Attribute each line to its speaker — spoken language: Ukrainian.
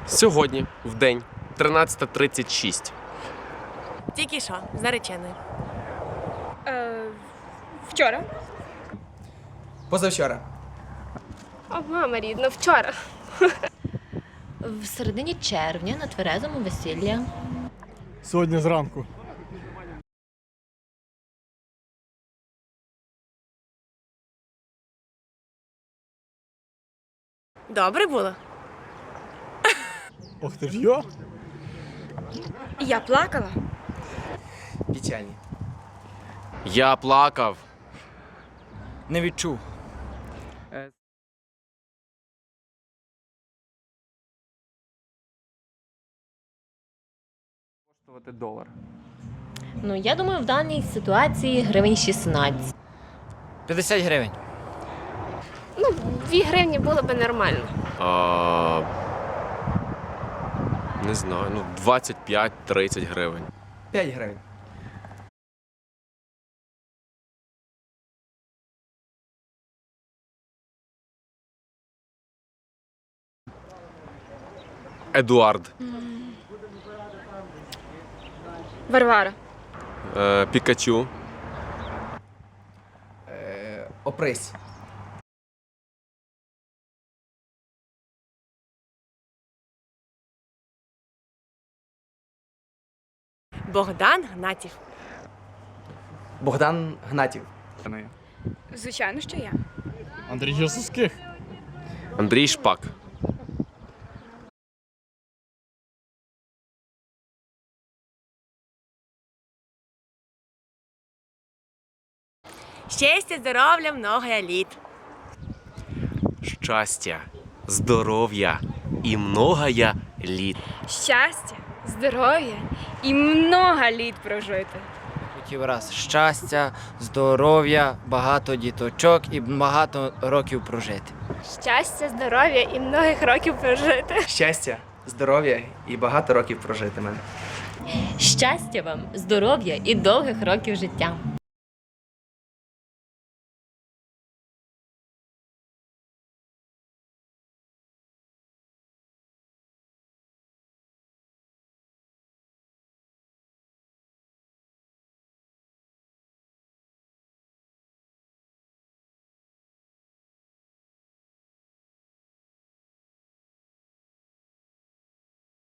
Speaker 1: Сьогодні, в день, 13:36.
Speaker 2: Тільки що, з нареченою.
Speaker 3: Вчора.
Speaker 4: Позавчора.
Speaker 3: О, мама рідна, вчора.
Speaker 5: В середині червня на тверезому весілля.
Speaker 6: Сьогодні зранку.
Speaker 2: Добре було?
Speaker 6: Ох ти ж йо!
Speaker 3: Я плакала.
Speaker 4: Печальні.
Speaker 1: Я плакав.
Speaker 4: Не відчув.
Speaker 7: Коштувати $1.
Speaker 5: Ну, я думаю, в даній ситуації гривень 16.
Speaker 4: 50 гривень.
Speaker 3: 2 гривні було би нормально.
Speaker 1: Не знаю, 25-30 гривень.
Speaker 4: 5 гривень.
Speaker 1: Едуард.
Speaker 3: Варвара.
Speaker 1: Пікачу.
Speaker 4: Опрись.
Speaker 2: Богдан Гнатів.
Speaker 4: Богдан Гнатів.
Speaker 3: Звичайно, що я.
Speaker 6: Андрій Єсуских.
Speaker 1: Андрій Шпак.
Speaker 2: Щастя, здоров'я, много літ.
Speaker 1: Щастя, здоров'я і многая літ.
Speaker 3: Щастя, здоров'я і много літ прожити.
Speaker 8: Хотів раз щастя, здоров'я, багато діточок і багато років прожити.
Speaker 3: Щастя, здоров'я і многих років прожити.
Speaker 4: Щастя, здоров'я і багато років прожити мене.
Speaker 5: Щастя вам, здоров'я і довгих років життя.